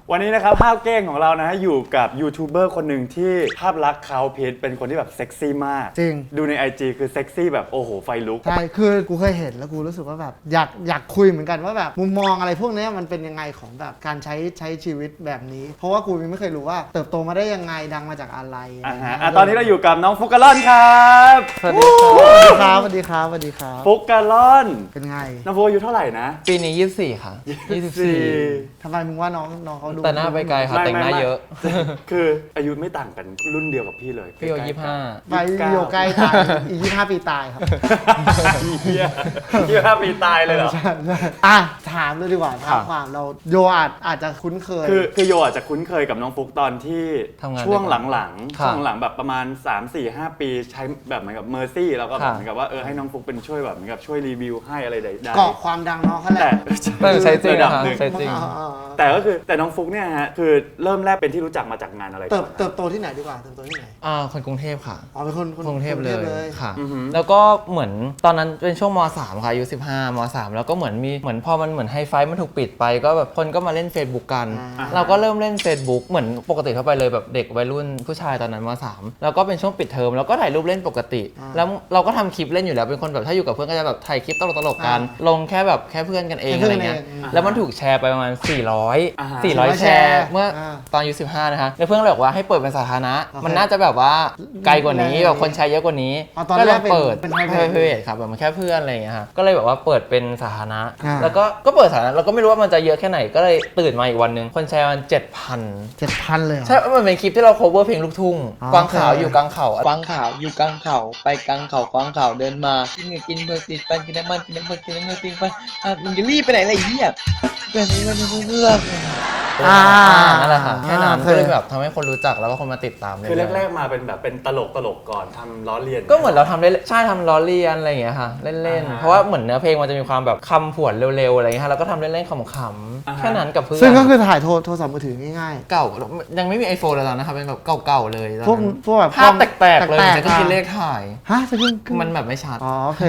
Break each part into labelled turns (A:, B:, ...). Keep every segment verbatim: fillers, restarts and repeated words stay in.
A: วันนี้นะครับภาพเก้งของเรานะฮะอยู่กับยูทูบเบอร์คนหนึ่งที่ภาพลักษณ์เขาเพจเป็นคนที่แบบเซ็กซี่มาก
B: จริง
A: ดูใน ไอ จี คือเซ็กซี่แบบโอ้โหไฟลุก
B: ใช่คือกูเคยเห็นแล้วกูรู้สึกว่าแบบอยากอยากคุยเหมือนกันว่าแบบมุมมองอะไรพวกนี้มันเป็นยังไงของแบบการใช้ใช้ชีวิตแบบนี้เพราะว่ากูยังไม่เคยรู้ว่าเติบโตมาได้ยังไงดังมาจากอะไร
A: อ่าฮะอ่ะตอนนี้เราอยู่กับน้องฟุกกะล่อนครับ
B: สวัสดีครับสวัสดีครับสวัสดีครับ
A: ฟุกกะล่อน
B: เป็นไง
A: น้องฟุกอายุเท่าไหร่นะ
C: ปีนี้ยี่สิบสี่ค่ะยี่สิบสี่
B: ทำไมมึงว่าน้องน้องเขาดู
C: แต่หน้าไปไกลค่ะแต่งหน้าเยอะ
A: คืออายุไม่ต่างกันรุ่นเดียวกับพี่เลย
C: พี่โยยี่สิบห้า
B: ไปโยใกล้ตายอีกยี่สิบห้าปีตายครับ
A: เฮียยี่สิบห้าปีตายเลยเหรอ
B: ใช่ใช่อ่ะถามเลยดีกว่าถามความเราโยอาจอาจจะคุ้นเคย
A: คือคือโยอาจจะคุ้นเคยกับน้องฟุกตอนที่ช่วงหลังๆช่วงหลังแบบประมาณ สาม สี่ ห้า ปีใช้แบบเหมือนกับเมอร์ซี่แล้วก็แบบเหมือนกับว่าเออให้น้องฟุกเป็นช่วยแบบเหมือนกับช่วยรีวิวให้อะไรใดๆ
B: เกาะความดังน้องเขาแหละ
C: แต่ใช้จริงนะคะใช้จริง
A: แต่ก็คือแต่น้องฟุกเนี่ยฮะคือเริ่มแรกเป็นที่รู้จักมาจากงานอะไร
B: เติบเติบโตที่ไหนดีกว่าเติบโตที่ไหน
C: อ่าคนกรุงเทพค่ะ
B: อ๋อเป็นคน
C: กรุงเทพเลยค่ะแล้วก็เหมือนตอนนั้นเป็นช่วงม.สาม ค่ะอายุสิบห้าม.สาม แล้วก็เหมือนมีเหมือนพอมันเหมือนไฮไฟมันถูกปิดไปก็แบบคนก็มาเล่น Facebook กันเราก็เริ่มเล่น Facebook เหมือนปกติทั่วไปเลยแบบเด็กวัยรุ่นผู้ชายตอนนั้นม.สาม แล้วก็เป็นช่วงปิดเทอมแล้วก็ถ่ายรูปเล่นปกติแล้วเราก็ทำคลิปเล่นอยู่แล้วเป็นคนแบบถ้าอยู่กับเพื่อนก็จะแบบถ่ายคลิปตลกๆกันลงแค่แบบแค่เพื่อนกันเองอะไรเงี้ยแล้วมันถูกแชร์ไปประมาณสี่ร้อยสี่ร้อยแชร์เมื่อตอนอายุสิบห้านะคะแล้วเพื่อนเลยบอกว่าให้เปิดเป็นสาธารณะมันน่าจะแบบว่าไกลกว่านี้แบบคนแชร์เยอะกว่านี้ก็เลยเปิดเป็น private ครับแบบมันแค่เพื่อนอะไรอย่างเงี้ยค่ะก็เลยแบบว่าเปิดเป็นสาธารณะแล้วก็ก็เปิดสาธารณะเราก็ไม่รู้ว่ามันจะเยอะแค่ไหนก็เลยตื่นมาอีกวันนึงคนแชร์มัน เจ็ดพัน
B: เจ็ดพัน เลย
C: ใช่มันเป็นคลิปที่เรา cover เพลงลูกทุ่งกวางขาวอยู่กลางเขา
D: กวางขาวอยู่กลางเขาไปกลางเขากวางขาวเดินมากินเงินกินเบอร์ติดปันกินน้ำมันกินน้ำมันกินน้ำมันกินปันอ่ะมึงจะรีบไปไหนอะไรเหี้ยแบบนี้มันเลือก
C: อ่านั่นแหละค่ะแค่นั้นก็เลยแบบทำให้คนรู้จักแล้วก็คนมาติดตามเลย
A: คือแรกๆมาเป็นแบบเป็นตลกตลกก่อนทำล้อเลียน
C: ก็เหมือนเราทำเล่นใช่ทำล้อเลียนอะไรอย่างเงี้ยค่ะเล่นๆเพราะว่าเหมือนเนื้อเพลงมันจะมีความแบบคำผวนเร็วๆอะไรเงี้ยเราก็ทำเล่นๆขำๆแค่นั้นกับเพื่อน
B: ซึ่งก็คือถ่ายโทรศัพท์มือถือง่าย
C: ๆเก่ายังไม่มี iPhone แล้วนะครับเป็นแบบเก่าๆเลย
B: พวกพวกแบบ
C: ภาพแตกๆเลยจะก็คิดเลขถ่าย
B: ฮะจะขึ้น
C: มันแบบไม่ชัด
B: อ๋อโอเค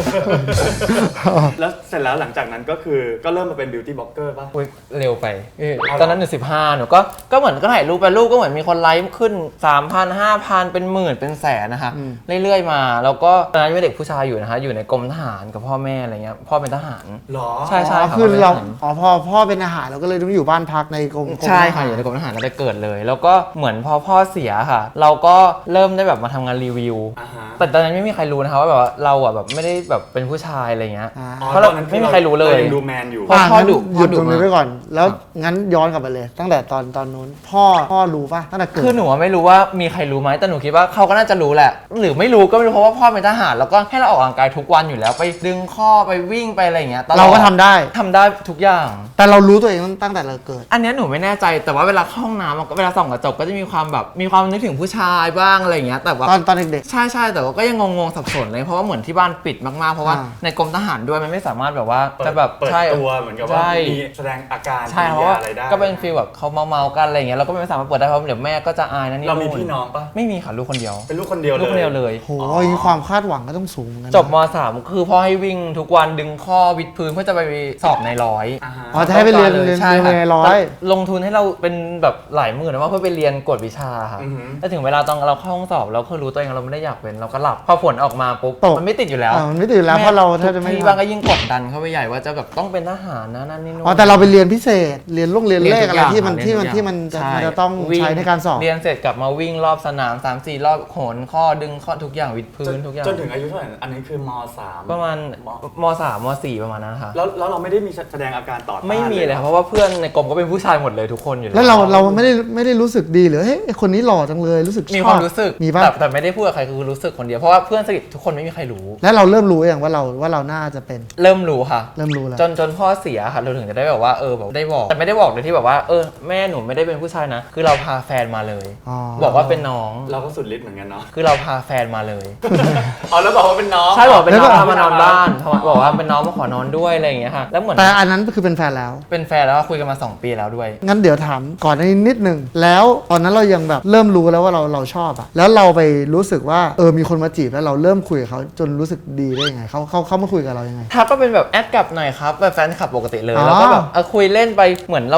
A: แล้วเสร็จแล้วหลังจากนั้นก็คือก็เริ่มมาเป็นบิวตี้บล็อกเกอร์ป่ะ
C: เร็วไปตอนนั้นหนูสิบห้าหนูก็ก็เหมือนก็ถ่ายรูปไปรูปก็เหมือนมีคนไลค์ขึ้น สามพัน ห้าพัน เป็นหมื่นเป็นแสนนะคะเรื่อยๆมาแล้วก็ตอนนั้นเป็นเด็กผู้ชายอยู่นะคะอยู่ในกรมทหารกับพ่อแม่อะไรเงี้ยพ่อเป็นทหาร
A: หรอ
C: ใช่ใช่
B: คือเราอ๋อพ่อพ่อเป็นทหารเราก็เลยต้องอยู่บ้านพักในกรม
C: ใช่ค่ะอยู่ในกรมทหารแล้วไปเกิดเลยแล้วก็เหมือนพอพ่อเสียค่ะเราก็เริ่มได้แบบมาทำงานรีวิวแต่ตอนนั้นไม่มีใครรู้นะคะว่าแบบว่าเราอ่ะแบบไม่ได้แบบเป็นผู้ชายอะไรเงี้ยเพราะเราไม่มีใครรู้เลย
A: ดูแมนอยู่
B: พ่อดุหยุดตรงนี้ไว้ก่อนแล้วงั้นย้อนกลับไปเลยตั้งแต่ตอนตอนนู้นพ่อพ่อรู้ป่ะตั้งแต่เกิด
C: คือหนูไม่รู้ว่ามีใครรู้ไหมแต่หนูคิดว่าเขาก็น่าจะรู้แหละหรือไม่รู้ก็ไม่รู้เพราะว่าพ่อเป็นทหารแล้วก็ให้เราออกกำลังกายทุกวันอยู่แล้วไปดึงข้อไปวิ่งไปอะไรอย่างเงี้ย
B: เราก็ทำได้
C: ทำได้ทุกอย่าง
B: แต่เรารู้ตัวเองตั้งแต่เราเกิด
C: อันนี้หนูไม่แน่ใจแต่ว่าเวลาเข้าห้องน้ำเวลาส่องกระจกก็จะมีความแบบมีความนึกถึงผู้ชายบ้างอะไรอย่างเงี้ยแต่ว่า
B: ตอนตอนเด็ก
C: ๆใช่ใช่แต่ว่าก็ยังงงๆสับสนเลยเพราะว่าเหมือนที่บ้านปิดมากๆเพราะว่าในกรมทหารด้วยมันไม่สามารถแบบว่าจะแบบ
A: เปิดตัวเหมือนกับว่ามีแสดงอาการ
C: ใช่เพราะว่าก็เป็นฟีลแบบเขาเมาๆกันอะไรอย่างเงี้ยเราก็ไม่สามารถเปิดได้เพราะเดี๋ยวแม่ก็จะอายนะนี่
A: เรามีพี่น้องปะ
C: ไม่มีค่ะลูกคนเดียว
A: เป็นลูกคนเดียวเลย
C: ลูกคนเดียวเลย
B: โหมีความคาดหวังก็ต้องสูง
C: จบม.สาม คือพ่อให้วิ่งทุกวันดึงข้อวิดพื้นเพื่อจะไปสอบในร้อย
B: อ๋อจะให้ไปเรียนเรียนในร้อย
C: ลงทุนให้เราเป็นแบบหลายหมื่นนะว่าเพื่อไปเรียนกวดวิชาค่ะแต่ถึงเวลาตอนเราเข้าห้องสอบเราก็รู้ตัวเองเราไม่ได้อยากเป็นเราก็หลับพอผลออกมาปุ๊บมันไม่ติดอยู่แล้ว
B: มันไม่ติดแล้วเพราะเราแทบจะไม่
C: ที่บ้านก็ยิ่งกดดันเข้าไปใหญ่ว่าจะแบบต้องเป็นทหารนะนั่นนี่นู่น
B: อ๋อแต่เราไปเรียนพิเศษเรียนลูกเรียนเลขอะไรที่มันที่มันที่มันจะต้องใช้ในการสอบ
C: เรียนเสร็จกลับมาวิ่งรอบสนาม สามสี่ รอบโหนข้อดึงข้อทุกอย่างวิดพื้นทุกอย่าง
A: จนถึงอายุเท่าไหร่อันนี้คือม.สาม
C: ประมาณม.สาม ม.สี่ ประมาณนั้นค่ะ
A: แล้วแล้วเราไม่ได้มีแสดงอาการต่อต้าน
C: ไม่มีเลยเพราะว่าเพื่อนในกรมก็เป็นผู้ชายหมดเลยทุกคนอยู่
B: แล้วเราเราไม่ได้ไม่ได้รู้สึกดีหรือเฮ้ยคนนี้หล่อจังเลยรู้สึก
C: มีความรู้สึก
B: มีป่ะ
C: แต่ไม่ได้พูดกับใครคือรู้สึกคนเดียวเพราะว่าเพื่อนสนิททุกคนไม่มีใครรู้
B: แล้วเราเริ่มรู้อย่างว่าเราว่าเราน่าจะเป็น
C: เริ่มรู้ค่ะ
B: เริ่มรู้แล้ว
C: จนจนพ่อเสียค่ะเราถึงจะได้แบบว่าเออแบบได้บอกแต่ไม่ได้บอกเลยที่แบบว่าเออแม่หนูไม่ได้เป็นผู้ชายนะคือเราพาแฟนมาเลยบอกว่าเป็นน้อง
A: เราก็สุดฤทธิ์เหมือนกันเนาะ
C: คือเราพาแฟนมาเลย
A: อ๋อแล้วบอกว่าเป็นน้อง
C: ใช่บอกเป็นน้องพามานอนบ้านบอกว่าเป็นน้องมาขอนอนด้วยอะไรอย่างเงี้ยค่ะแล้วเหมือน
B: แต่อันนั้นคือเป็นแฟนแล้ว
C: เป็นแฟนแล้วคุยกันมาสองปีแล้วด้วย
B: งั้นเดี๋ยวถามก่อนในนิดนึงแล้วตอนนั้นเรายังแบบเริ่มรู้แล้วว่าเราเราชอบอะแล้วเราไปรู้สึกว่าเออมีคนมาจีบแล้วเราเริ่มคุยกับเขาจนรู้สึกดีได้ยังไงเขาเขาเขามาคุยกับเรายังไง
C: ถ้าก็เป็นแบบแอดกลับหน่อยครับแบบแฟนคลับปกติเลยแล้วก็แบบคุยเล่นไปเหมือนเราก็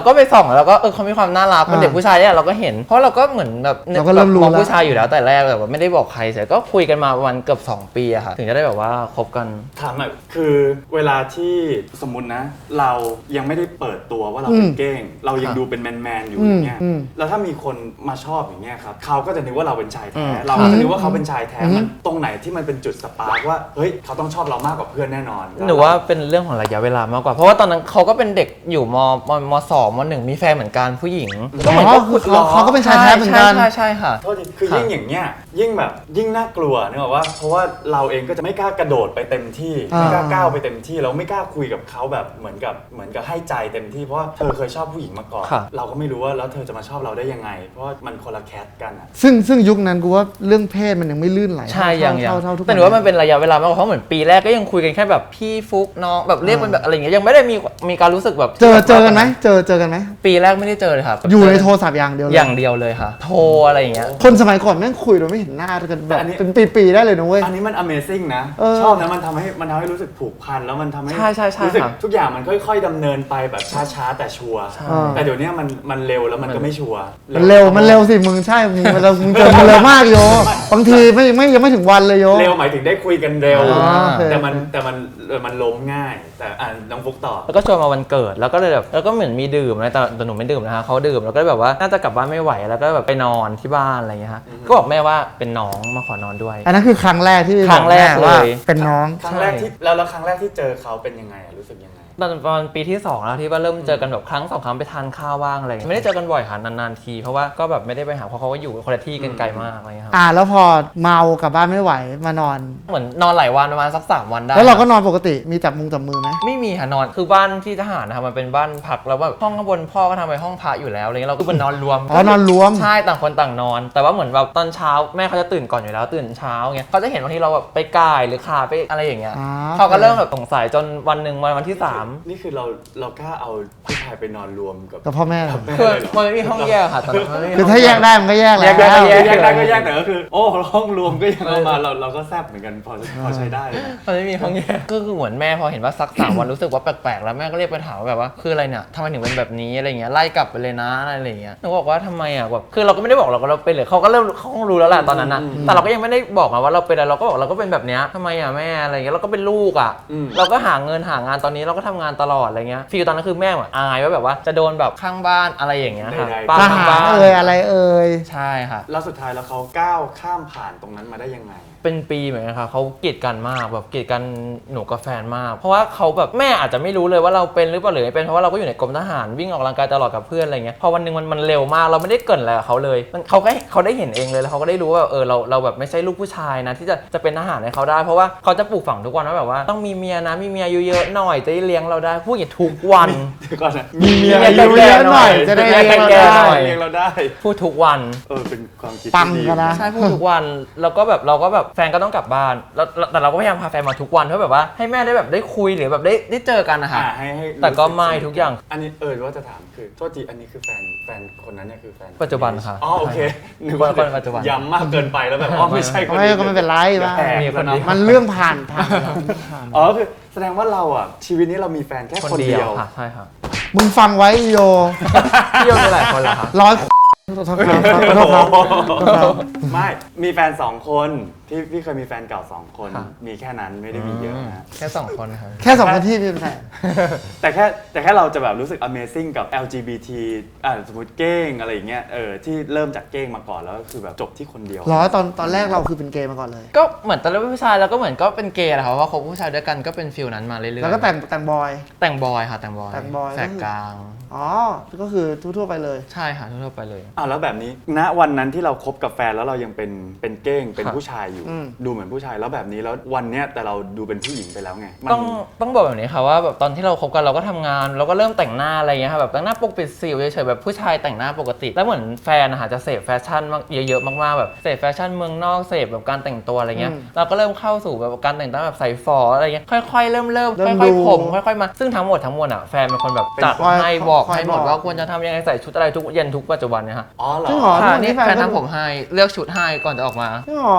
C: ก็ไปส่องแล้วก็เออเขามีความน่ารักเป็นเด็กผู้ชายเนี่ยเราก็เห็นเพราะเราก็เหมือนแบบ
B: เราก็เริ่มรู้
C: มอง
B: แล้ว
C: ผู้ชายอยู่แล้วแต่แรกแบบว่าไม่ได้บอกใครเสร็จก็คุยกันมาประมาณเกือบสองปีอะค่ะถึงจะได้แบบว่าคบกัน
A: ถามหน่อยคือเวลาที่สมมตินะ เรายังไม่ได้เปิดตัวว่าเราเป็นเก้ง เรายังดูเป็นแมนๆอยู่อย่างเงี้ย
B: อืม
A: แล้วถ้ามีคนมาชอบอย่างเงี้ยครับเขาก็จะนึกว่าเราเป็นชาย
C: อื
A: แท้
C: ม
A: เราก็จะนึกว่าเขาเป็นชายแท้
B: อืม
A: มันตรงไหนที่มันเป็นจุดสปาร์กว่าเฮ้ยเขาต้องชอบเรามากกว่าเพื่อนแน่นอน
C: หนูว่าเป็นเรื่องของระยะเวลามากกว่า เพราะว่าตอนนั้นเขาก็เป็นเด็กอยู่มมมสองมหนึ่งมีแฟนเหมือนกันผู้หญิง
B: อ๋อคือเขาเขาก็เป็นชายแท้เหมือนกัน
C: ใช่ใช่ใช่ค่ะ
A: โทษทีคือยิ่งอย่างเงี้ยยิ่งแบบยิ่งน่ากลัวนึกออกว่าเพราะว่าเราเองก็จะไม่กล้ากระโดดไปเต็มที่
B: อ่า
A: ไม่กล้าก้าวไปเต็มที่เราไม่กล้าคุยกับเขาแบบเหมือนกับเหมือนกับให้ใจเต็มที่เพราะว่าเธอเคยชอบผู้หญิงมาก่อน
C: ค่ะ
A: เราก็ไม่รู้ว่าแล้วเธอจะมาชอบเราได้ยังไง เพราะว่ามันคนละแคสกันอะ
B: ซึ่งซึ่งยุคนั้นกูว่าเรื่องเพศมันยังไม่ลื่นไหล
C: ใช่
B: เท่า
C: ยังยัง
B: เท่าเท่าทุก
C: แต่หนูว่ามันเป็นระยะเวลามากกว่าเพราะเหมือนปีแรกก็ยังคุยกันแค่แบบพี่ฟุกน้องแบบเรียกเป็นแบบอะไรอย่างเงี้ยยังไม่ได้มีมีการรู้สึกแบบ
B: เจอเจอกันไหมเจอเจอกันไหม
C: ปีแรกไม่ได้เจอเลยครับ
B: อยู่ในโทรศัพท์อย่างเดียวเลย
C: อย่างเดียวเลยค่ะ โทรอะไรอย่างเงี้ย
B: คนสมัยก่อนแม่งคุยโดยไม่เห็นหน้ากันแบบ
A: อันนี้
B: เป็นปีๆได้เลยนะเว้ย
A: อันนี้มัน Amazing นะ
B: เออ
A: ชอบนะมันทำให้มันทำให้รู้สึกผูกพันแล้วมันทำให้
C: ใช่ใช่ใช่
A: รู้สึก
C: ค่ะ
A: ทุกอย่างมันค่อยๆดำเนินไปแบบช้าๆแต่ชัวร์
C: ใช่
A: แต่เดี๋ยวนี้มันมันเร็วแล้วมันก็ไม่ชัวร์
B: มันเร็วมันเร็วสิมึงใช่มึงมันเร็วมึงเจอมันเร็วมากโยบางทีไม่ไม่ยังไม่ถึงวันเลยโย
A: เร็วหมายถึงได้คุยกันเร็ว
B: อ๋อโอเค
A: แต่มันแต่มันเออมันล้มง่าย แต่อ่าน้องฟุกต่อ
C: แล้วก็ชวนมาวันเกิดแล้วก็เลยแบบแล้วก็เหมือนมีดื่มอะไรแต่แต่หนูไม่ดื่มนะคะเขาดื่มแล้วก็แบบว่าน่าจะกลับบ้านไม่ไหวแล้วก็แบบไปนอนที่บ้านอะไรอย่างเงี้ยฮะก็บอกแม่ว่าเป็นน้องมาขอนอนด้วย
B: อันนั้นคือครั้งแรกที่
C: ครั้งแรก
B: บอกม่ว่า
C: เลย
B: เป็นน้อง
A: ครั้งแรกที่แล้วแล้วครั้งแรกที่เจอเขาเป็นยังไงอะรู้สึกยังไง
C: ตอนประมาณปีที่สองแล้วที่ว่าเริ่มเจอกันแบบครั้งสองครั้งไปทานข้าวบ้างอะไรอย่างเงี้ยไม่ได้เจอกันบ่อยค่ะนานๆทีเพราะว่าก็แบบไม่ได้ไปหาเพราะเขาก็อยู่คนละที่กันไกลมากอะไรอย่างเงี้ยครับ
B: อ่าแล้วพอเมากลับบ้านไม่ไหวมานอน
C: เหมือนนอนหลายวันประมาณสักสามวันได้
B: แล้วเราก็นอนปกติมีจับมุงจับมือไหม
C: ไม่มีค่ะนอนคือบ้านที่ทหารนะครับมันเป็นบ้านพักแล้วแบบห้องข้างบนพ่อก็ทำไปห้องพระอยู่แล้วอะไรเงี้ยเราก็เป็นนอนรวม
B: อ๋อนอนรวม
C: ใช่ต่างคนต่างนอน แต่ว่าเหมือนแบบตอนเช้าแม่เขาจะตื่นก่อนอยู่แล้วตื่นเช้าเงี้ยเขาจะเห็นบางทีเราแบบไปก่ายหรือขาไปอะไรอย่างเงี้ย
B: อ่า
C: เขาก็เริ่มแบบสงสัยจนวันหนึ่งวันวันที่สาม
A: นี่คือเราเรากล้าเอาผู้ชายไปนอนรวมกับ
B: กับพ่อแม่
C: คือมันไม่มีห้องแยกค่ะตอนนั้นมันไม่มี
B: คือ
C: ห้
B: ถ้าง แย
C: แย
B: ก
C: ก
B: ได้มันก็แยก
C: แย
B: แล้ว
C: กได้ก็
A: แยกได้ก็แยกแต่ก็คือ โอ้ห้องรวมก็ยังเอามาเราเราก็แซบเหมือนกันพอพอใช้ได้นะ
C: มันไม่มีห้องแยกก็คือเหมือนแม่พอเห็นว่าซักสามวันรู้สึกว่าแปลกๆแล้วแม่ก็เรียกไปถามว่าแบบว่าคืออะไรเนี่ยทำไมถึงเป็นแบบนี้อะไรเงี้ยไล่กลับไปเลยนะอะไรอย่างเงี้ยหนูบอกว่าทำไมอ่ะแบบคือเราก็ไม่ได้บอกเราก็เราเป็นเลยเขาก็เริ่มเขาคงรู้แล้วแหละตอนนั้นนะแต่เราก็ยังไม่ได้บอกมาว่าเราเป็นอะไรเราก็บอกเราก็เป็นแบบเนี้ยทำไมอ่ะแม่อะไรเงี้ยเราก็เป็นลูกอ่ะ
A: อืม
C: เราก็หาเงินหางานตอนนี้เราก็ทำงานตลอดอะไรเงี้ยฟีลตอนนั้นคือแม่เหมือนอายว่าแบบว่าจะโดนแบบข้างบ้านอะไรอย่างเงี้ยค่ะ
A: ใดๆ
C: ป้า
B: ท
C: ข้าง
B: หาร
C: บ้าน
B: เอ่ยอะไรเอ่ย
C: ใช่ค่ะ
A: แล้วสุดท้ายแล้วเขาก้าวข้ามผ่านตรงนั้นมาได้ยังไง
C: เป็นปีเหมือนกันค่ะเขาเกลียดกันมากแบบเกลียดกันหนูกับแฟนมาก เพราะว่าเขาแบบแม่อาจจะไม่รู้เลยว่าเราเป็นหรือเปล่าหรือไม่เป็นเพราะว่าเราก็อยู่ในกรมทหารวิ่งออกกำลังกายตลอดกับเพื่อนอะไรเงี้ยพอวันหนึงมันมันเร็วมากเราไม่ได้เกรินอะไรกับเขาเลยมันเขาก็เขาได้เห็นเองเลยแล้วเขาก็ได้รู้ว่าเออเราเราแบบไม่ใช่ลูกผู้ชายนะที่จะจะเป็นทหารให้เขาได้ เพราะว่าเขาจะปลูกฝังทุกวันว่าแบบว่าต้องมีเมียนะมีเมียเยอะๆหน่อยจะได้เลี้ยงเราได้พูดอย่างทุกวัน
A: เดี๋ยวก่อนนะ
B: มีเมีย
C: มีเมีย
B: เยอะๆหน่อยจะได้เลี้ยงเรา
C: แก่
B: ได้
C: หน่อย
A: เลี้ยงเราได้
C: พูดทุกวัน
A: เออเป็นความคิด
B: ปัง
A: ที่ดี
B: กันนะ
C: ใช่พูดทุกวันแล้วก็แบบเราก็แบบแฟนก็ต้องกลับบ้านแล้วแล้วแต่เราก็พยายามพาแฟนมาทุกวันเพื่อแบบว่าให้แม่ได้แบบได้คุยหรือแบบได้ได้เจอกันนะคะ
A: อ่าให้ให้
C: แต่ก็
A: รู้สึ
C: ไม่ทุกอย่าง
A: อันนี้เออว่าจะถามคือโทษทีอันนี้คือแฟนแฟนคนนั้นเนี่ยคือแฟน
C: ปัจจุบันค่ะ
A: อ๋อโอเคนึกว่า
C: คนปัจจุบัน
A: ย้ำมากเกินไปแล้วแบบอ๋อไม่ใช่คน
B: ไม่
A: นี้
B: ก็ไม่เป็นไรบ้าง
A: แปลก
C: มีคนเดียว
B: มันเรื่องผ่านผ่านแล้วผ่าน
A: อ๋อคือแสดงว่าเราอ่ะชีวิตนี้เรามีแฟนแค่
C: คน
A: คน
C: เดี
A: เดี
C: ย
A: ยว ว
C: ค่ะใช่ค่ะ
B: มึงฟังไว้โย
C: พี่โยมีหลายคนเหรอคะ
B: ร้อยโทษครับขอโทษครับขอโทษครับ
A: ไม่มีแฟนสองคนที่พี่เคยมีแฟนเก่าสองคน
C: ค่ะ
A: มีแค่นั้นไม่ได้มีเยอะนะ
C: แค่สองคนครับ
B: แค่สองนาทีพี่เป็นแฟน
A: แต่แค่แต่แค่เราจะแบบรู้สึก Amazing กับ แอล จี บี ที อ่าสมมติเก้งอะไรอย่างเงี้ยเออที่เริ่มจากเก้งมาก่อนแล้วก็คือแบบจบที่คนเดียว
B: เหรอตอนตอนแรกเราคือเป็นเกย์มาก่อนเลย
C: ก็เหมือนตอนแรกเป็นผู้ชายแล้วก็เหมือนก็เป็นเกย์แหละครับเพราะว่าคบผู้ชายด้วยกันก็เป็นฟิลนั้นมาเรื่อยๆ
B: แล้วก็แต่งแต่งบอย
C: แต่งบอยค่ะแต่งบอย
B: แต่งบอย
C: แสกกลาง
B: อ๋อ ก็คือทั่วๆไปเลย
C: ใช่ค่ะทั่วๆไปเลย
A: อ้าวแล้วแบบนี้ณวันนั้นที่เราคบกับแฟนแล้วเรายังเป็นเป็นเก้งเป็น
C: ครับ
A: ผู้ชายอยู่
B: อืม
A: ดูเหมือนผู้ชายแล้วแบบนี้แล้ววันเนี้ยแต่เราดูเป็นผู้หญิงไปแล้วไงมัน
C: ต้องต้องบอกแบบนี้ค่ะว่าแบบตอนที่เราคบกันเราก็ทำงานเราก็เริ่มแต่งหน้าอะไรเงี้ยค่ะแบบแต่งหน้าปกปิดสิวเฉยๆแบบผู้ชายแต่งหน้าปกติ แล้วเหมือนแฟนนะคะจะเสพแฟชั่นมากเยอะๆมากๆแบบเสพแฟชั่นเมืองนอกเสพแบบการแต่งตัวอะไรเงี้ย
B: อืม
C: เราก็เริ่มเข้าสู่แบบการแต่งตัวแบบใส่ฝออะไรเงี้ยค่อยๆเริ่มเริ่ม
B: เริ่ม
C: ค่อย
B: ดู
C: ๆผมค่อยๆมาซึ่งทั้งหมดทั้งมวลอ่ะแฟนเป็นคนแบบจัด
B: คอย
C: ให้บอก
B: คอย
C: ให้หมด
B: บอก
C: ว่าควรจะทำยังไงใส่ชุดอะไรทุกเย็นทุกปัจจุบันเนี่ยค่ะ
A: อ๋อเหร
B: จริงเหร
A: อ
B: อ
C: ค่ะ
B: ทุกวันนี้
C: นี่
B: แฟน
C: แฟน
B: ก็
C: ทำผมให้เลือกชุดให้ก่อนจะออกมา
B: จริงเหรอ
C: ทั้งหมด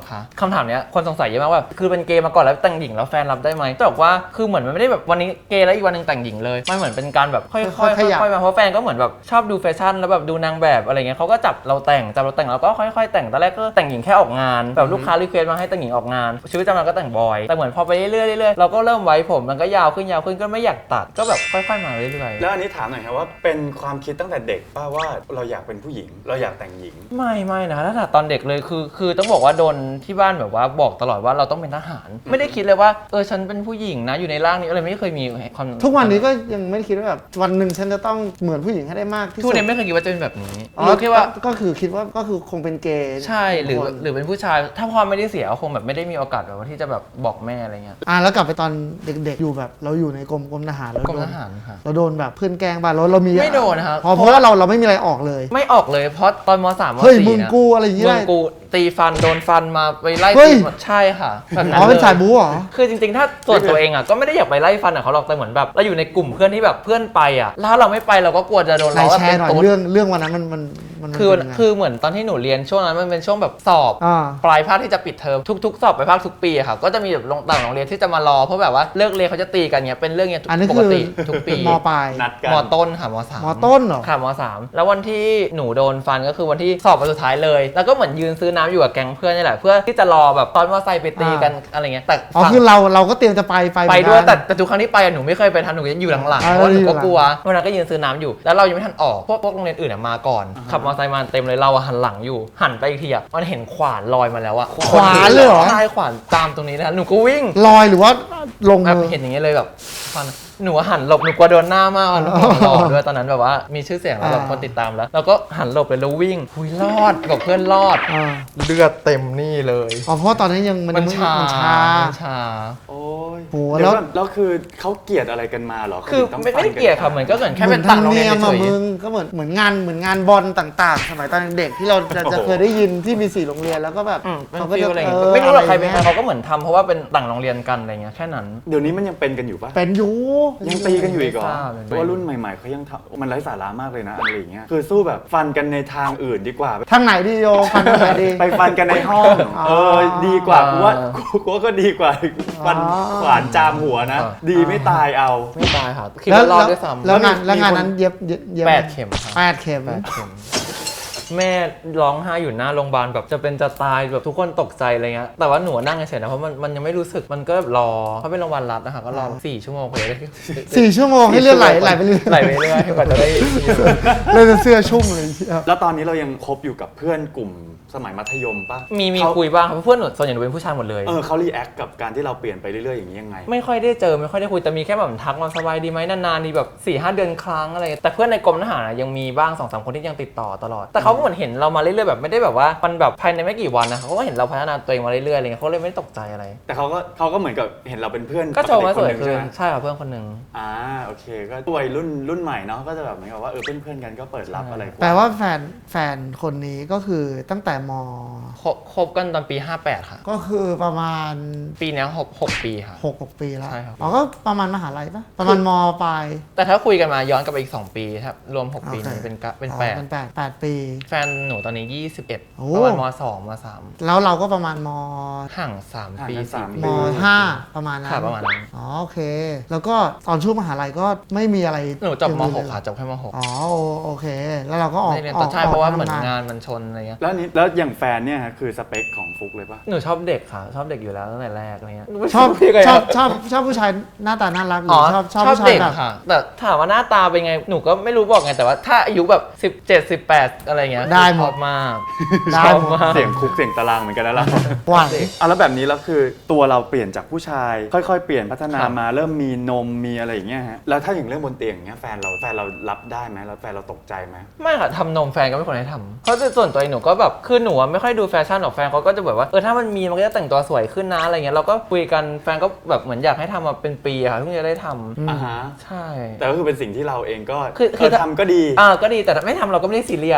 C: คะคำถามเนี้ยคนสงสัยเยอะมากว่าคือเป็นเกย์มาก่อนแล้วแต่งหญิงแล้วแฟนรับได้ไหมแต่บอกว่าคือเหมือนมันไม่ได้แบบวันนี้เกย์แล้วอีกวันนึงแต่งหญิงเลยมันเหมือนเป็นการแบบค่อยๆ
B: ค่อยๆขยับ
C: ค่อยๆมาเพราะแฟนก็เหมือนแบบชอบดูแฟชั่นแล้วแบบดูนางแบบอะไรเงี้ยเขาก็จับเราแต่งจับเราแต่งแล้วก็ค่อยๆแต่งตอนแรกก็แต่งหญิงแค่ออกงานแบบลูกค้ารีเควสมาให้แต่งหญิงออกงานชีวิตประจำวันก็แต่งบอยแต่เหมือนพอไปเรื่อยๆเรื่อยๆเราก็เริ่มไว้ผมมันก็ยาวขึ้นยาวขึ้นก็ไม่อยากตัดก็แบบค่อยๆมาเรื่อยๆ
A: แล้วอันนี้ถามหน่อยครับว่าเป็นความคิดตั้งแต่เด็กป่ะว่าเราอยากเป็นผู้หญิงเราอยากแต่งหญิง
C: ไม่ไม่นะถ้าตอนเด็กเลยคือคือต้องบอกว่าโดนที่บ้านแบบว่าบอกตลอดว่าเราต้องเป็นทหาร ไม่ได้คิดเลยว่าเออฉันเป็นผู้หญิงนะอยู่ในร่างนี้อะไรไม่เคยมีความ
B: ทุกวันนี้ก็ยังไม่ได้คิดว่าแบบวันหนึ่งฉันจะต้องเหมือนผู้หญิงให้ได้มากที่
C: ทุ
B: สุ
C: ก
B: ด
C: นี้ไม่เคยคิดว่าจะเป็นแบบนี้
B: อ๋อ
C: รู้แค่ว่า
B: ก็คือคิดว่าก็คือคงเป็นเกย์
C: ใช่หรือ
B: คน
C: หรือเป็นผู้ชายถ้าพ่อไม่ได้เสียก็คงแบบไม่ได้มีโอกาสแบบว่าที่จะแบบบอกแม่อะไรเงี้ย
B: อ่ะแล้วกลับไปตอนเด็กๆอยู่แบบเราอยู่ในกรมกรมทหารเรา
C: กรม
B: โด
C: ท
B: น
C: หารค่ะ
B: เราโดนแบบเพื่อนแกล้งบ้างเราเรามี
C: ไม่โดนนะครับ
B: เพราะเพราะว่าเราเราไม่มีอะไรออกเลย
C: ไม่ออกเลยเพราะตอนมสามม
B: เฮ้ย
C: สี่
B: มึง
C: นะ
B: กูอะไรอย่างเงี้
C: มึ
B: ย
C: งกูตีฟันโดนฟันมาไปไล่
B: เฮ้ย
C: ตีหมดใช่ค่ะแบบนั้น
B: อ๋อเป็น
C: ล
B: สายบู๊เหรอ
C: คือจริงๆ ถ้าส่วนตัวเองอ่ะก็ไม่ได้อยากไปไล่ฟันอ่ะเขาหรอกแต่เหมือนแบบเราอยู่ในกลุ่มเพื่อนที่แบบเพื่อนไปอ่ะแล้วถ้าเราไม่ไปเราก็กลัวจะโดน
B: ไหน
C: ล้อว่า
B: แช
C: เป็
B: ร์
C: น
B: หน่อย
C: ตุ๊ด
B: เรื่องเรื่องวันนั้นมันมันมัน
C: คือ
B: เป็นยังไง
C: คือเหมือนตอนที่หนูเรียนช่วงนั้นมันเป็นช่วงแบบสอบ
B: อ่า
C: ปลายภาคที่จะปิดเทอมทุกๆ สอบปลายภาคทุกปีอะค่ะก็จะมีแบบโรงต่างโรงเรียนที่จะมารอเพราะแบบว่าเลิกเรียนเขาจะตีกันเนี้ยเป็นเรื่องเนี้ย
B: อันนี้
C: ป
B: คื
C: ก
B: อ
C: ติทุกปี
B: มปลาย
A: นัดกัน
C: มต้นค่ะมสาม
B: มต้นเหรอ
C: ค่ะมสามแล้ววันที่หนูโดนฟันก็คือวันที่สอบวันสุดท้ายเลย แล้วก็เหมือนยืนซื้อน้ำอยู่กับแก๊งเพื่อนนี่แหละเพื่อที่จะรอแบบตอนมอไซค์ไปตีกันอะไรเงี้ยแต่
B: อ๋อ
C: ฝั่ง
B: คือเราเราก็เตรียมจะไปไป
C: ไป
B: เหมือนกัน
C: ด้วยแต่แต่ทุกครั้งที่ไปอะหนูไม่เคยไปทันหนูจะอยู่หลังๆ
B: อ่า
C: เพราะว่าหนูก็
B: อยู่หลัง
C: กลัววันนั้นก็ยืนซื้อน้ำอยู่แล้วเรายังไม่ทันออกพวกพวกโรงเรียนอื่นอะมาก่อนขับมอเตอร์ไซค์มาเต็มเลยเราอะหันหลังอยู่หันไปอีกทีอะมันเห็นขวานลอยมาแล้วอะ
B: ขวานเลยเหรอ
C: ใช่ขวานตามตรงนี้นะหนูก็วิ่ง
B: ลอยหรือว่าลง
C: แบบ
B: มือ
C: เห็นอย่างเงี้ยเลยแบบฟันหนูหันหลบหนูกลัวโดนหน้ามากหนูหล่อด้วยตอนนั้นแบบว่ามีชื่อเสียงแล้วแบบ
B: อ่า
C: คนติดตามแล้ว แล้วก็หันหลบเลยแล้ววิ่งหุยรอดกับเพื่อนรอด
B: อ่า
C: เลือดเต็มนี่เลย
B: อ๋อเพราะว่าตอนนั้นยังมัน
C: มัน
B: ยัง
C: ชา
B: มันชา
C: มันชา
A: โอ้ย
B: โห
A: เดี๋ยว
B: แล้ว
A: ก่อนแล้วคือเขาเกลียดอะไรกันมาเหรอ
C: คือ
A: ขาถึงต้ง
C: ไม่ไม่ได้
A: ฟันน
C: เกลียดค่ะเหมือนก็เหมือนแค่
B: เหมื
C: เป็
B: อน
C: นต่าง
B: ทำ
C: โรงเรี
B: เนี
C: ย
B: ย
C: น
B: ม
C: เฉ
B: อะ
C: ย
B: มึงก็เหมือนเหมือนงานเหมือนงานบอลต่างๆ สมัยตอนเด็กที่เราจะจะเคยได้ยินที่มีสี่โรงเรียนแล้วก็แบบ
C: ๆอืมเป็น
B: เขาก็
C: ฟิ
B: จะ
C: ลอะไรอย่างเงี้
B: เอย อ
C: ไม่รู้หรอกใครเป็นใคร
B: อะไงี้ย
C: เขาก็เหมือนทำเพราะว่าเป็นต่างโรงเรียนกันอะไรเงี้ยแค่นั้น
A: เดี๋ยวนี้มันยังเป็นกันอยู่ปะ
B: เป็นอยู
A: ยังตีกันอยู่อีกเหรอ
C: ไม่ทราบเลย
A: เพราะว่ารุ่นใหม่ๆเขายังทำมันไร้สาระมากเลยนะอะไรอย่างเงี้ยคือสู้แบบฟันกันในทางอื่นดีกว่า
B: ทางไหนดีโยฟันทางไหนดี
A: ไปฟันกันในห้อง
B: อ๋อ
A: เออดีกว่ากูว่ากูว่าก็ดีกว่าฟัน
B: อ๋อ
A: ขวานจามหัวนะ ดีไม่ตายเอา
C: ไม่ตายค่ะคิด
B: แล้ว
C: ว่ารอด
B: แล้ว
C: ด้วยซ้ำ
B: แล้วงาน
A: มี
B: แล้วงาน
A: คน
B: นั้นเย็บเย็บเย็บ
C: แปดเข็มค่ะ
B: แปดเข็ม
C: แปดเข็มแม่ร้องไห้อยู่หน้าโรงพยาบาลแบบจะเป็นจะตายแบบทุกคนตกใจอะไรเงี้ยแต่ว่าหนูนั่งเฉยๆนะเพราะมันมันยังไม่รู้สึกมันก็แบบรอเพราะเป็นโรงพยาบาลรัฐนะคะก็รอสี่ชั่วโมงกว่าจะได้
B: สี่ชั่วโมงให้เลือดไหลไหลไปเรื่อย
C: ไหลไปเรื่อยกว่าจะได้
B: เลยจะเสื้อชุ่มเลยเชียว
A: แล้วตอนนี้เรายังคบอยู่กับเพื่อนกลุ่มสมัยมัธยมปะ
C: มีมี
A: เขา
C: คุยบ้างครับเพื่อนหนูส่วนใหญ่หนูเป็นผู้ชายหมดเลย
A: เออเขารีแอคกับการที่เราเปลี่ยนไปเรื่อยๆอย่างนี้ยังไง
C: ไม่ค่อยได้เจอไม่ค่อยได้คุยแต่มีแค่แบบทักมาสบายดีไหมนานๆดีแบบสี่ห้าเดือนครั้งอะไรแต่เพื่อนในกรมทหารอะยังมีบ้างสองสามคนที่ยังติดต่อตลอดแต่เขาก็เหมือนเห็นเรามาเรื่อยๆแบบไม่ได้แบบว่ามันแบบภายในไม่กี่วันนะเขาก็เห็นเราพัฒนาตัวเองมาเรื่อยๆอะไรเงี้ยเขาเลยไม่ตกใจอะไร
A: แต่เขาก็เขาก็เหมือนกับเห็นเราเป็นเพื่อน
C: ก็โชว์มาสวย
A: ปกติ
C: ขึ้
A: คน หง
C: ใช่ค่ะเพื่อนคนหนึ่ง
A: อ่าโอเคก็วัยรุ่นรุ่นใหม่เนาะก็จะแบบเหมือนกับว่าเออเพื่อนๆกันก็เปิดรับอะไรก
B: แปลว่าแฟนแฟนคนนี้ก็คือตั้งแต่ม
C: คบคบกันตอนปีห้าแปดค่ะ
B: ก็คือประมาณ
C: ปีเนี้ยหกหกปีค่ะ
B: หกหกปีแล้ว
C: ใช่ครับ
B: อ๋อก็ประมาณมหาลัยปะประมาณมปลาย
C: แต่ถ้าคุยกันมาย้อนกลับไปอีกสองปีครับรวมหกปี
B: โอเค
C: นี้เป็นกะเป็น
B: อ๋อ
C: แปด
B: เป็นแปดแปดปี
C: แฟนหนูตอนนี้ยี่สิบเอ็ด
B: โอ้
C: ประมาณมสองมสาม
B: แล้วเราก็ประมาณม
C: ห่างสาม
A: ห่าง
C: ปี
A: กันสาม
C: สี่
B: ม
A: ปี
B: ห้าประมาณนั้น
C: ค่ะประมาณนั้น
B: อ๋อโอเค แล้วก็ตอนช่วงมหาลัยก็ไม่มีอะไร
C: หนูจบม
B: อย่าง
C: ห
B: อื่
C: ก
B: นเลย
C: ค่ะจบแค่มหก
B: อ๋อโอโอเค แล้วเราก็ออก
C: ไม่เรียน
B: อ
C: ต่
B: อ
C: อก ใช่เพราะว่า
B: ออก
C: เหมือน
B: ทำ
C: งานมันชนอะไรเงี้ย
A: แล้วนี้แล้วอย่างแฟนเนี่ยฮะคือสเปคของฟุกเลยปะ
C: หนูชอบเด็กค่ะ ชอบเด็กอยู่แล้วตั้งแต่แรกอะไรเงี้ย
B: ชอบ
C: พี่ก็
B: ชอบชอบชอบผู้ชายหน้าตาน่ารักหรื
C: อ๋อ
B: อชอบชอบ
C: ชอบ
B: ผู้ชาย
C: เด็ก
B: แบบ
C: ค่ะ แต่ถามว่าหน้าตาเป็นไงหนูก็ไม่รู้บอกไงแต่ว่าถ้าอายุแบบสิบเจ็ด สิบแปดอะไรเงี้ย
B: ได้หม
C: ช
B: ด
C: อบมาก
B: ได้
C: ชอบ
B: หมด
C: มาก
A: เสียงคุกเสียงตารางเหมือนกันนะเรา
B: ไหว
A: อ่ะแล้วแบบนี้แล้วคือตัวเราเปลี่ยนจากผู้ชาย ค่อยๆเปลี่ยนพัฒนา
C: ครับ
A: มาเริ่มมีนมมีอะไรอย่างเงี้ยฮะแล้วถ้าอย่างเรื่องบนเตียงอย่างเงี้ยแฟนเราแฟนเรารับได้ไหมแล้วแฟนเราตกใจไหม
C: ไม่ค่ะทำนมแฟนก็ไม่ควรให้ทำเพราะส่วนตัวเองหนูก็แบบคือหนูอะไม่ค่อยดูแฟชั่นหรอกแฟนเขาก็จะแบบว่าเออถ้ามันมีมันก็จะแต่งตัวสวยขึ้นนะอะไรเงี้ยเราก็คุยกันแฟนก็แบบเหมือนอยากให้ทำมาเป็นปีอะค่ะเพิ่งจะได้ทำ
A: อ่าฮะ
C: ใช่
A: แต่ก็คือเป็นสิ่งที่เราเองก็
C: คือคือ
A: เออทำก็ดี
C: อ่าก็ดีแต่ถ้าไม่ทำเราก็ไม่ได้ซีเรียส
B: อ๋อแปล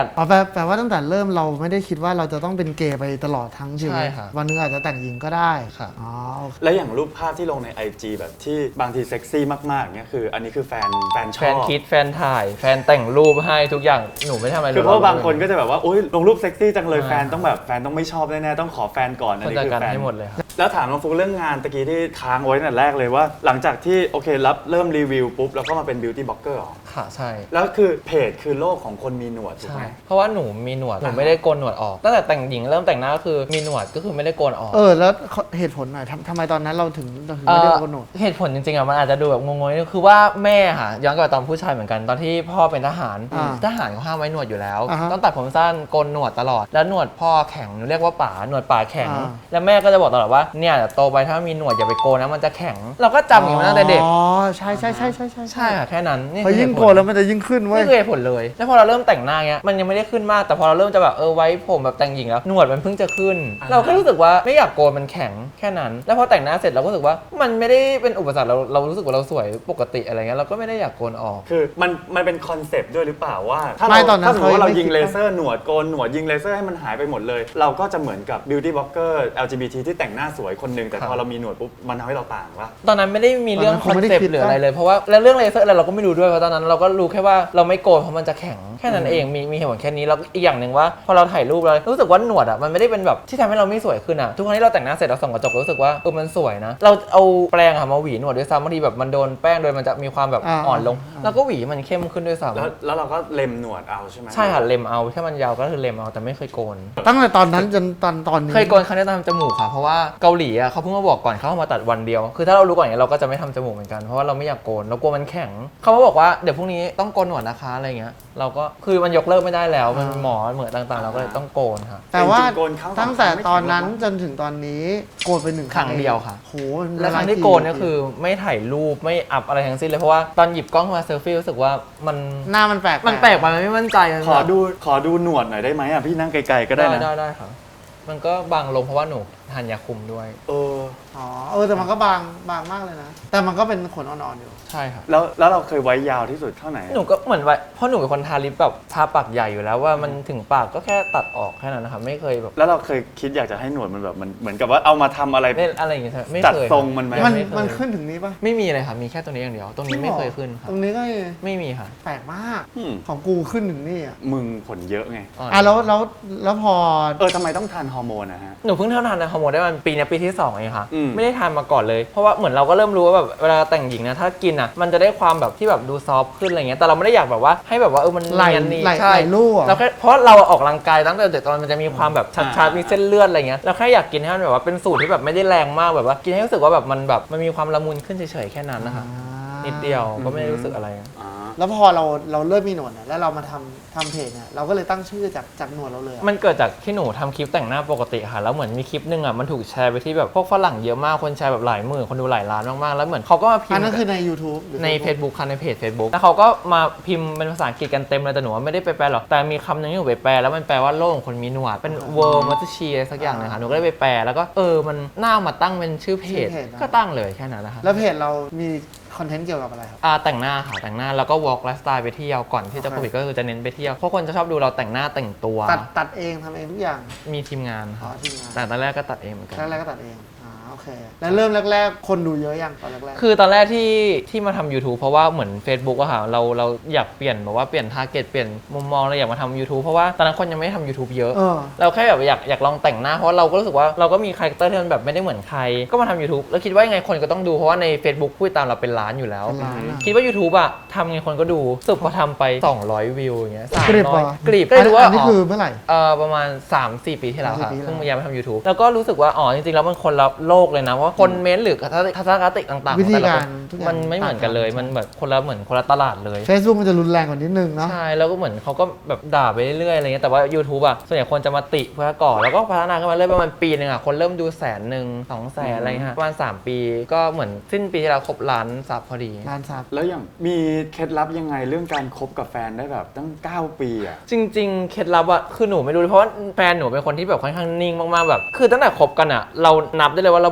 B: แปลว่าตั้งแต่เริ่มเราไม่ได้คิดว่าเราจะต้องเป็นเกย์ไปตลอดทั้งชีวิต
C: ใช่ค่ะ
B: วันหนึงอาจจะแต่งหญิงก็ได้
C: ค่ะ
B: อ๋อโอเค
A: แล้วอย่างรูปภาพที่ลงใน ไอ จี แบบที่บางทีเซ็กซี่มากๆเนี่ยคืออันนี้คือแฟนแฟนชอบ
C: แฟนคิดแฟนถ่าย แฟนแต่งรูปให้ทุกอย่างหนูไม่ทำอะไร
A: คือเพราะบางคนก็จะแบบว่าโอ๊ยลงรูปเซ็กซี่จังเลย
C: อ่า
A: แฟนต้องแบบแฟนต้องไม่ชอบแน่ๆต้องขอแฟนก่อนอัน
C: คน
A: นี้
C: จัด
A: คือ
C: การ
A: แฟน
C: ให้หมดเลยครับ
A: แล้วถามน้องฟุกเรื่องงานตะกี้ที่ค้างไว้ตั้งแต่แรกเลยว่า หลังจากที่โอเครับเริ่มรีวิวปุ๊บแล้วก็มาเป็นบิวตี้บล็อกเกอร์หรอ
C: ค่ะใช่
A: แล้วคือเพจคือโลกของคนมีหนวดถูก
C: ใช่
A: ไหม
C: เพราะว่าหนูมีหนวดหนูไม่ได้โกนหนวดออกตั้งแต่แต่งหญิงเริ่มแต่งหน้าก็คือมีหนวดก็คือไม่ได้โกนออก
B: เออแล้วเหตุผลหน่อยทำทำไมตอนนั้นเราถึงเราถึงไม่ได้โกนหนวด
C: เหตุผลจริงๆอ่ะมันอาจจะดูแบบงงๆนิดนึงคือว่าแม่ค่ะย้อนกลับไปตอนผู้ชายเหมือนกันตอนที่พ่อเป็นทหาร
B: อ่า
C: ทหารเขาห้ามไว้หนวดอยู่แล้ว
B: อ่าฮะ
C: ต้องตัดผมสั้นโกนหนวดตลอดแล้วหนวดพ่อแข็งเรียกว่าป๋าหนวดป๋าแข็ง
B: อ่า
C: แล้วแม่ก็จะบอกตลอดว่าเนี่ยเดี๋ยวโตไปถ้ามีหนวดอย่าไปโกนนะมันจะแข็ง เราก็จำอย่างนี้มาตั้งแต่เด็ก
B: อ๋อใช่ใช่ใช่ใช่ใช่
C: ใช่ค่ะแค่นั้นนี่
B: พอ
C: คือ
B: ยิ่ง
C: เหตุ
B: โก
C: ผ
B: น
C: ล
B: แล้วมันจะยิ่งขึ้นเว้ย
C: นี่คือเหตุผลเลย แล้วพอเราเริ่มแต่งหน้าเงี้ย มันยังไม่ได้ขึ้นมาก แต่พอเราเริ่มจะแบบเออไว้ผมแบบแต่งหญิงแล้ว หนวดมันเพิ่งจะขึ้น เราก็รู้สึกว่าไม่อยากโกนมันแข็งแค่นั้น แล้วพอแต่งหน้าเสร็จเราก็รู้สึกว่ามันไม่ได้เป็นอุปสรรคเราเรารู้สึกว่าเราสวยปกติอะไรเงี้ย เราก็ไม่ได้อยากโกนออก
A: คือมันมันเป็นคอนเซปต์ด้วยหรือเปล่าว่า ถ้า
B: ไม่
A: เรา
B: ตอนนั้น
A: ถ้าสมมติว่าเรา
B: เขายังไม่
A: ยิง
B: คิด
A: เลเซอร์หนวดโกนหนวดยิงเลเซอร์ให้มันหายไปหมดเลย เราก็จะเหมือนกับบิวตี้บล็อกเกอร์ แอล จี บี ที ที่แต่งหน้าสวยคนหนึ่งแต่
C: ครับ
A: พอเรามีหนวดปุ๊บมันทำให้เราต่างวะ
C: ตอนนั้นไม่ได้มีเรื่อง
B: ตอนนั้น
C: ค
B: คง
C: อน
B: ไม่ได้
C: เซป
B: คิด
C: ต์หรืออะไร
B: นะ
C: เลย เพราะว่าแล้วเรื่องเลเซอร์อะไรเราก็ไม่รู้ด้วยเพราะตอนนั้นเราก็รู้แค่ว่าเราไม่โกนเพราะมันจะแข็งแค่นั้นเองมีมีเหตุผลแค่นี้แล้วอีกอย่างหนึ่งว่าพอเราถ่ายรูปเรารู้สึกว่าหนวดอ่ะมันไม่ได้เป็นแบบที่ทำให้เราไม่สวยขึ้นอ่ะทุกครั้งที่เราแต่งหน้าเสร็จเราส่องกระจกรู้สึกว่าเออมันสวยนะเราเอาแปรงค่ะมาหวีหนวดด้วยซ้ำบางทีแบบมันโดนแป้งโดยมันจะมีความแบบ
B: อ่า
C: อ่อนลง
B: อ่า
C: แล้วก็หวีมันเข้มขึ้นด้วยซ้
A: แล้วแล้วเราก็เล็มหนวดเอาใช่ไหม
C: ำใช่ค่ะเล็มเอาถ้ามันยาวก็คือเล็มเอาแต่ไม่เคยโกน
B: ตั้งแต่ตอนนั้นจนตอนตอนนี้
C: เคยโกนครั้งแรกตอนทำจมูกค่ะเพราะว่าเกาหลีอ่ะเขาเพิ่งมาบอกก่อนเขาเอามาตัดวันเดียวคือถ้าเรารู้ก่อนอย่างนี้ยเราก็จะไม่ทำจมูกเหมือนกันเพราะว่าเราไม่อยากโกนเรากลัวมันแข็งเขามาบอกว่าเดี๋ยวพรุ่งนี้ต้องโกนหนวดนะคะอะไรเงี้ยเราก็คือมันยกเลิกไม่ได้แล้วมันหมอเหมือนต่างๆ เราก็เลยต้องโกนค่ะ
B: แต่ว่า
A: จริงๆโกนครั้งสอง
B: ตั้งแต่
A: ครั้งไม่
B: ตอนนั้น
A: แข็งหรอก
B: จนถึงตอนนี้โกนไปหนึ่ง
C: ครั้งเดียวค่ะ
B: โห
C: และครั้งที่โกนเนี่ยคือไม่ถ่ายรูปไม่อัพอะไรทั้งสิ้นเลยเพราะว่าตอนหยิบกล้องมาเซลฟี่รู้สึกว่ามัน
B: หน้ามันแปลก
C: มันแปลกไปมันไม่มั่นใจมัน
A: ขอ
C: แบบ
A: ดูขอดูหนวดหน่อยได้ไหมอ่ะพี่นั่งไกลๆก็ได้
C: ได้
A: นะ
C: ได้ได้ค่ะมันก็บางลงเพราะว่าหนูทานยาคุมด้วย
A: เออ
B: อ๋อเออแต่มันก็บางบางมากเลยนะ แต่มันก็เป็นขนอ่อนๆอยู่
C: ใช่ค่ะ
A: แล้วแล้วเราเคยไว้ยาวที่สุดเท่าไหร่อะ
C: หนูก็เหมือนว่าเพราะหนูเป็นคนทาลิปแบบทาปากใหญ่อยู่แล้วว่ามันถึงปากก็แค่ตัดออกแค่นั้นนะคะไม่เคยแบบ
A: แล้วเราเคยคิดอยากจะให้หนวดมันแบบมันเหมือนกับว่าเอามาทำอะไร
C: เล่นอะไรอย่างเงี้ยใช่ไหมไม่
A: จัด
C: เคย
A: ทรงมันไหม
B: มัน
C: ไม่เคย
B: มันขึ้นถึงนี้ปะ
C: ไม่มีเลยค่ะมีแค่ตัวนี้อย่างเดียวตรงนี้ไม่เคยขึ้นค่ะ
B: ตรงนี้ก็
C: ไม่มีค่ะ
B: แปลกมาก
A: อืม
B: ของกูขึ้นถึงนี่อ่ะ
A: มึงขนเยอะไง
B: อ่ะแล้วแล้วแล้วพอ
A: เออทำไมต้องทานฮอร์โมนนะฮะ
C: หนูเพิ่งเท่าทานฮอร์โมนได้มันปีนี้ปีที่สองเองค่ะ
A: อืม
C: ไม่ได้ทานมาก่อนเลย เพราะว่าเหมือนเราก็เริ่มรู้ว่าแบบเวลาแต่งหญิงนะถ้ากินอ่ะมันจะได้ความแบบที่แบบดูซอฟต์ขึ้นอะไรเงี้ยแต่เราไม่ได้อยากแบบว่าให้แบบว่าเออมัน
B: ไหล
C: เนียนนี่
B: ไหล
C: ใช่
B: ไหลลู่อะ
C: เราแค่เพราะเราออกกำลังกายตั้งแต่เด็กตอนมันจะมีความแบบชัดๆมีเส้นเลือดอะไรเงี้ยเราแค่อยากกินให้มันแบบว่าเป็นสูตรที่แบบไม่ได้แรงมากแบบว่ากินให้รู้สึกว่าแบบมันแบบมันมีความละมุนขึ้นเฉยๆแค่นั้นนะคะนิดเดียวก็ไม่ได้รู้สึกอะไร
A: อ่า
B: แล้วพอเราเราเริ่มมีหนวดเนี่ยแล้วเรามาทำทำเพจเนี่ยเราก็เลยตั้งชื่อจากจากหนวดเราเลยอะ
C: มันเกิดจากที่หนูทำคลิปแต่งหน้าปกติค่ะแล้วเหมือนมีคลิปหนึงอ่ะมันถูกแชร์ไปที่แบบพวกฝรั่งเยอะมากคนแชร์แบบหลายหมื่นคนดูหลายล้านมากๆแล้วเหมือนเขาก็มาพิม
B: อัน
C: พ์
B: นั้นคือใน YouTube หรือ
C: ใน
B: Facebook
C: Facebook ค่ะในเพจ Facebook แล้วเขาก็มาพิมพ์เป็นภาษาอังกฤษกันเต็มเลยแต่หนูว่าไม่ได้ไปแปลหรอกแต่มีคำหนึงที่หนูไปแปลแล้วมันแปลว่าโลกของคนมีหนวดเป็น world m o t o r s h e อะไรสักอย่างหนึงค่ะหนูก็เลยไปแปลแล้วก็เออมันน่ามาตั้งเป็นชื่อเพจก็ตั้งเลยแค่นั้นนะคะ
B: แล้วเพจเรามีคอนเทนต์เกี่ยวกับอะไรครับ
C: อ่าแต่งหน้าค่ะแต่งหน้าแล้วก็ walk lifestyle ไปเที่ยวก่อนที่จะ
B: โอ
C: โค
B: เค
C: วิดก็คือจะเน้นไปเที่ยวเพราะคนจะชอบดูเราแต่งหน้าแต่งตัว
B: ตัดตัดเองทำเองทุกอย่าง
C: มีทีมงาน
B: อ๋อ
C: ค่ะ
B: ทีมงาน
C: แต่ตอนแรกก็ตัดเองเหมือนกัน
B: แรกๆก็ตัดเองอ่าโอเค แล้วเริ่มแรกๆ คนดูเยอะยังตอนแรกๆ
C: คือตอนแรกที่ที่มาทำ YouTube เพราะว่าเหมือน Facebook อะค่ะเราเราอยากเปลี่ยนแบบว่าเปลี่ยนทาร์เก็ตเปลี่ยนมุมมองเราอยากมาทำ YouTube เพราะว่าตอนนั้นคนยังไม่ได้ทำ YouTube เยอะ
B: เออ
C: เราแค่แบบอยากอยากลองแต่งหน้าเพราะว่าเราก็รู้สึกว่าเราก็มีคาแรคเตอร์ที่มันแบบไม่ได้เหมือนใคร ก็มาทำ YouTube แล้วคิดว่ายังไงคนก็ต้องดูเพราะว่าใน Facebook ผู้ติดตามเราเป็นล้านอยู่แล้ว
B: เป็นล้านอะ
C: คิดว่า YouTube อะทำไงคนก็ดูสรุดพอทำไปสองร้อยวิวอย่างเงี้ย
B: กรีบ
C: สาม
B: เหร
C: ร้อย
B: อก
C: รีบก็เลยรู้ว่า
B: อันนี้คือเมื่อไหร่
C: เอ่อประมาณ สามสี่ ปีที่แล้วค่ะ
B: สามสี่ปีที่แล้ว
C: เพิ่งมาย้ายมาทำ YouTube แล้วก็รู้สึกว่าอ๋อจริงๆแล้วมันคนละโลกเลยนะเพราะว่าคนเม้นต์หรือทัศนคติต่างๆ
B: วิธี
C: แต่ละ
B: กา
C: ค
B: ร
C: น
B: ทุกอย่าง
C: มันไม่เหมือนกันเลย
B: ต่างกัน
C: มันแบบคนละเหมือนคนละตลาดเลย
B: Facebook มันจะรุนแรงกว่านิดนึงเนาะ
C: ใช่แล้วก็เหมือนเขาก็แบบด่าไปเรื่อยๆอะไรเงี้ยแต่ว่า YouTube อ่ะส่วนใหญ่คนจะมาติเพื่อก่อแล้วก็พัฒนาขึ้นมาเรื่อยประมาณปีหนึงอ่ะคนเริ่มดูแสนหนึ่งสองแสนอะไรเงี้ยประมาณสามปีก็เหมือนสิ้นปีที่เราครบล้านซับพอดี
B: ร้านซับ
A: แล้วอย่างมีเคล็ดลับยังไงเรื่องการคบกับแฟนได้แบบตั้งเก้าปีอ่ะ
C: จริงๆเคล็ดลับอ่ะคือหนูไม่รู้เพราะว่าแฟนหนูเป็นคนที่แบบค่อนข้างนิ่งมากๆแบบคือตั้งแต่คบกันอ่ะเรานับได้เลยว่าเรา